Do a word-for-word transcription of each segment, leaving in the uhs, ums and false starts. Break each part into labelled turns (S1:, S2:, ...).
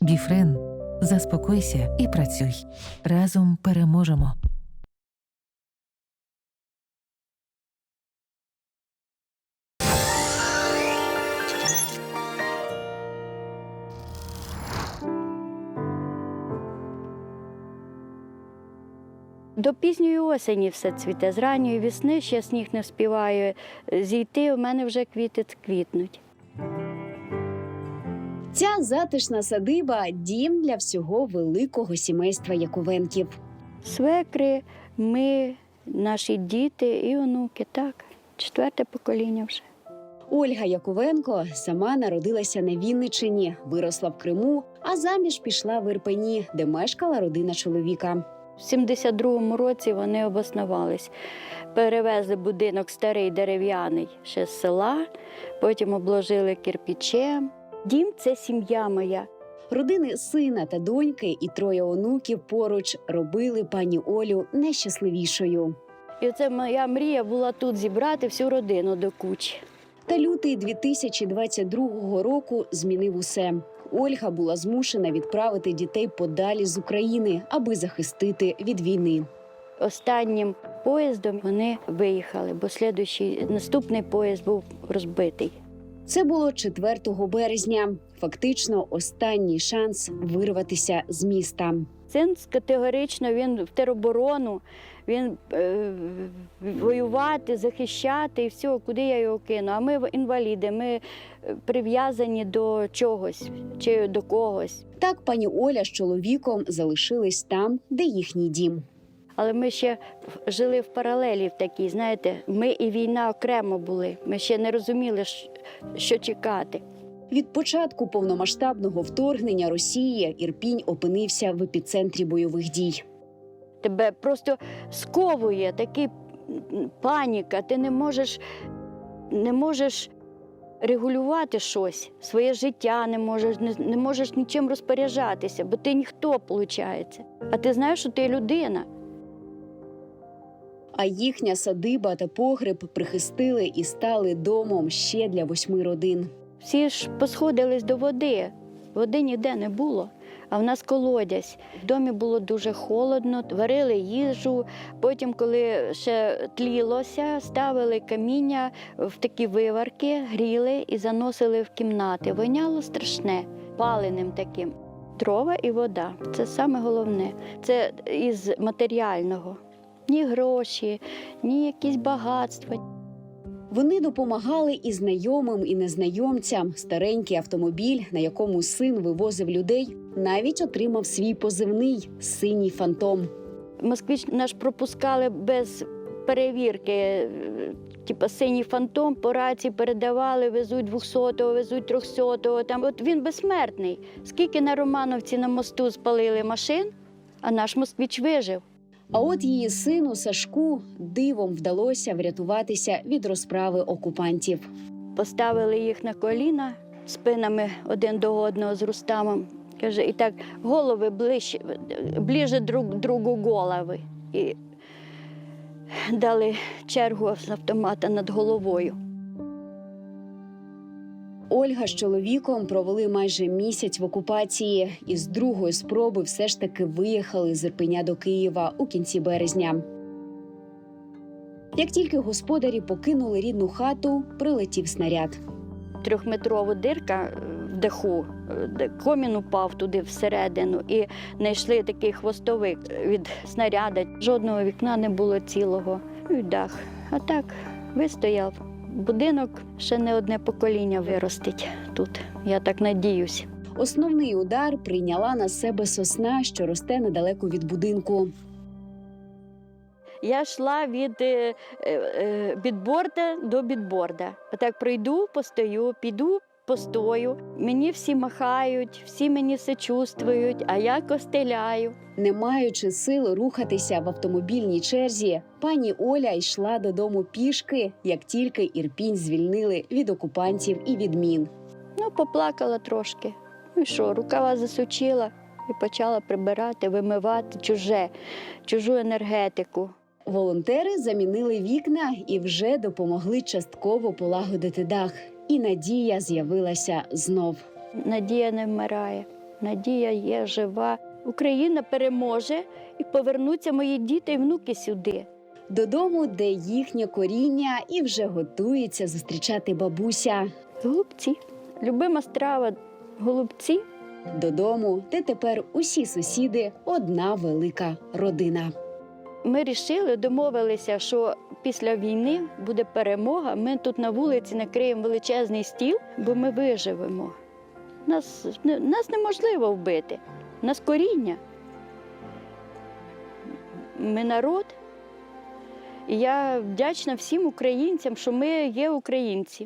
S1: Біфрен. Заспокойся і працюй. Разом переможемо.
S2: До пізньої осені все цвіте, з ранньої весни ще сніг не вспіває зійти, у мене вже квіти квітнуть.
S3: Ця затишна садиба – дім для всього великого сімейства Яковенків.
S2: Свекри, ми, наші діти і онуки, так, четверте покоління вже.
S3: Ольга Яковенко сама народилася на Вінниччині, виросла в Криму, а заміж пішла в Ірпені, де мешкала родина чоловіка.
S2: В сімдесят другому році вони обоснувались. Перевезли будинок старий дерев'яний ще з села, потім обложили кирпичем. Дім – це сім'я моя.
S3: Родини сина та доньки і троє онуків поруч робили пані Олю найщасливішою.
S2: І оце моя мрія була тут зібрати всю родину до кучі.
S3: Та лютий дві тисячі двадцять другого року змінив усе. Ольга була змушена відправити дітей подалі з України, аби захистити від війни.
S2: Останнім поїздом вони виїхали, бо слідуючий, наступний поїзд був розбитий.
S3: Це було четвертого березня. Фактично останній шанс вирватися з міста.
S2: Син категорично, він в тероборону, він е, воювати, захищати і все, куди я його кину. А ми інваліди, ми прив'язані до чогось чи до когось.
S3: Так пані Оля з чоловіком залишились там, де їхній дім.
S2: Але ми ще жили в паралелі в такій, знаєте, ми і війна окремо були. Ми ще не розуміли, що чекати.
S3: Від початку повномасштабного вторгнення Росії Ірпінь опинився в епіцентрі бойових дій.
S2: Тебе просто сковує, така паніка, ти не можеш, не можеш регулювати щось, своє життя не можеш, не, не можеш нічим розпоряджатися, бо ти ніхто, виходить. А ти знаєш, що ти людина.
S3: А їхня садиба та погреб прихистили і стали домом ще для восьми родин.
S2: Всі ж посходились до води, води ніде не було, а в нас колодязь. В домі було дуже холодно, варили їжу, потім, коли ще тлілося, ставили каміння в такі виварки, гріли і заносили в кімнати. Воняло страшне, паленим таким. Дрова і вода – це саме головне, це із матеріального. Ні гроші, ні якісь багатства.
S3: Вони допомагали і знайомим, і незнайомцям. Старенький автомобіль, на якому син вивозив людей, навіть отримав свій позивний – «Синій фантом».
S2: Москвич наш пропускали без перевірки, типу «Синій фантом», по рації передавали, везуть двохсотого, везуть трьохсотого. Там. От він безсмертний. Скільки на Романовці на мосту спалили машин, а наш москвич вижив.
S3: А от її сину Сашку дивом вдалося врятуватися від розправи окупантів.
S2: Поставили їх на коліна, спинами один до одного з Рустамом. Каже, і так голови ближче, ближче друг другу голови. І дали чергу з автомата над головою.
S3: Ольга з чоловіком провели майже місяць в окупації і з другої спроби все ж таки виїхали з Ірпеня до Києва у кінці березня. Як тільки господарі покинули рідну хату, прилетів снаряд.
S2: Трьохметрова дирка в даху, комін упав туди всередину і знайшли такий хвостовик від снаряда. Жодного вікна не було цілого, і дах. А так вистояв. Будинок ще не одне покоління виростить тут, я так надіюсь.
S3: Основний удар прийняла на себе сосна, що росте недалеко від будинку.
S2: Я йшла від е, е, бідборда до бідборда. Отак пройду, постою, піду, постою. Мені всі махають, всі мені сочувствують, а я костеляю.
S3: Не маючи сил рухатися в автомобільній черзі, пані Оля йшла додому пішки, як тільки Ірпінь звільнили від окупантів і від мін.
S2: Ну, поплакала трошки. Ну і що, рукава засучила і почала прибирати, вимивати чуже, чужу енергетику.
S3: Волонтери замінили вікна і вже допомогли частково полагодити дах. І надія з'явилася знов.
S2: Надія не вмирає. надія є жива. Україна переможе і повернуться мої діти і внуки сюди.
S3: Додому, де їхнє коріння, і вже готується зустрічати бабуся.
S2: Голубці. Любима страва – голубці.
S3: Додому, де тепер усі сусіди – одна велика родина.
S2: Ми вирішили, домовилися, що після війни буде перемога. Ми тут на вулиці накриємо величезний стіл, бо ми виживемо. Нас, нас неможливо вбити. Нас коріння. Ми народ. І я вдячна всім українцям, що ми є українці.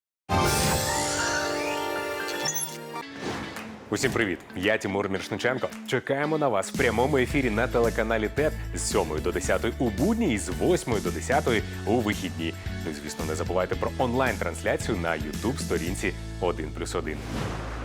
S4: Усім привіт! Я Тимур Міршниченко. Чекаємо на вас в прямому ефірі на телеканалі ТЕТ з сьомої до десятої у будні і з восьмої до десятої у вихідні. Ну і, звісно, не забувайте про онлайн-трансляцію на ютуб-сторінці один плюс один.